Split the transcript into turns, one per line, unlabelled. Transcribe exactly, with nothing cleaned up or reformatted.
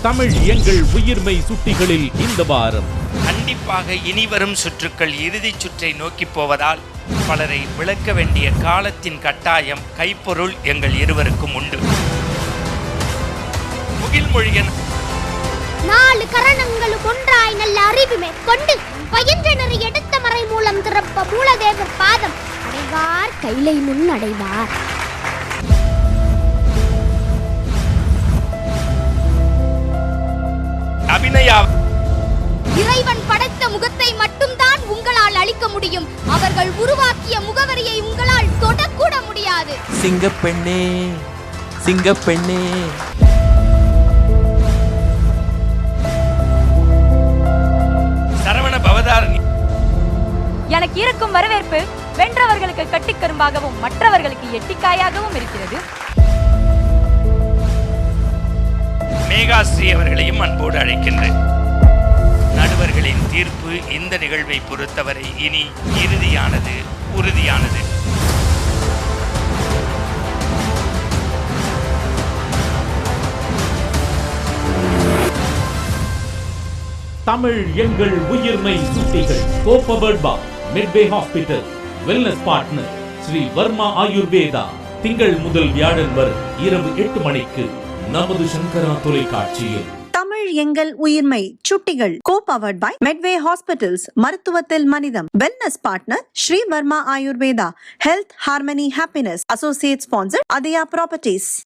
தமிழ் எங்கள் உயிர்மை சுட்டிகளில் இந்த வாரம்
கண்டிப்பாக இனிவரும் சுற்றுக்கள் இறுதிச் சுற்றை நோக்கி போவதால் பலரை விளக்க வேண்டிய காலத்தின் கட்டாயம் கைப்பொருள் எங்கள் இருவருக்கும் உண்டு. முகில்மொழியன்
நாலு கரணங்களும் ஒன்றாய் நல்ல அறிவு மேற்கொண்டு பயின்றனர் எடுத்த மறை மூலம் திறப்ப மூலதேவர் பாதம் அடைவார் கைலை முன் அடைவார்.
அபிநயா
இறைவன் படைத்த முகத்தை மட்டும்தான் உங்களால் அளிக்க முடியும். அவர்கள் உருவாக்கிய முகவரியை உங்களால் தொடக்கூட முடியாது.
சிங்கப்பெண்ணே சிங்கப்பெண்ணே
சரவண பவதாரணி
எனக்கு இருக்கும் வரவேற்பு வென்றவர்களுக்கு கட்டிக்கரும்பாகவும் மற்றவர்களுக்கு எட்டிக்காயாகவும் இருக்கிறது.
மேகாஸ்ரீ அவர்களையும் அன்போடு அழைக்கின்றேன். நடுவர்களின் தீர்ப்பு இந்த நிகழ்வை பொறுத்தவரை இனி இறுதியானது, உறுதியானது.
தமிழ் எங்கள் உயிர்மை சுட்டிகள் co powered by Medway hospital wellness partner Sri Varma Ayurveda. திங்கள் முதல் வியாழன் வரை இரவு எட்டு மணிக்கு நமது சங்கரா தொலைக்காட்சியில்.
தமிழ் எங்கள் உயிர்மை சுட்டிகள் கோ-பவர்ட் பை மெட்வே ஹாஸ்பிட்டல்ஸ் மருத்துவத்தில் மனிதம் wellness partner Sri Varma Ayurveda health harmony happiness associate sponsor Athiya properties.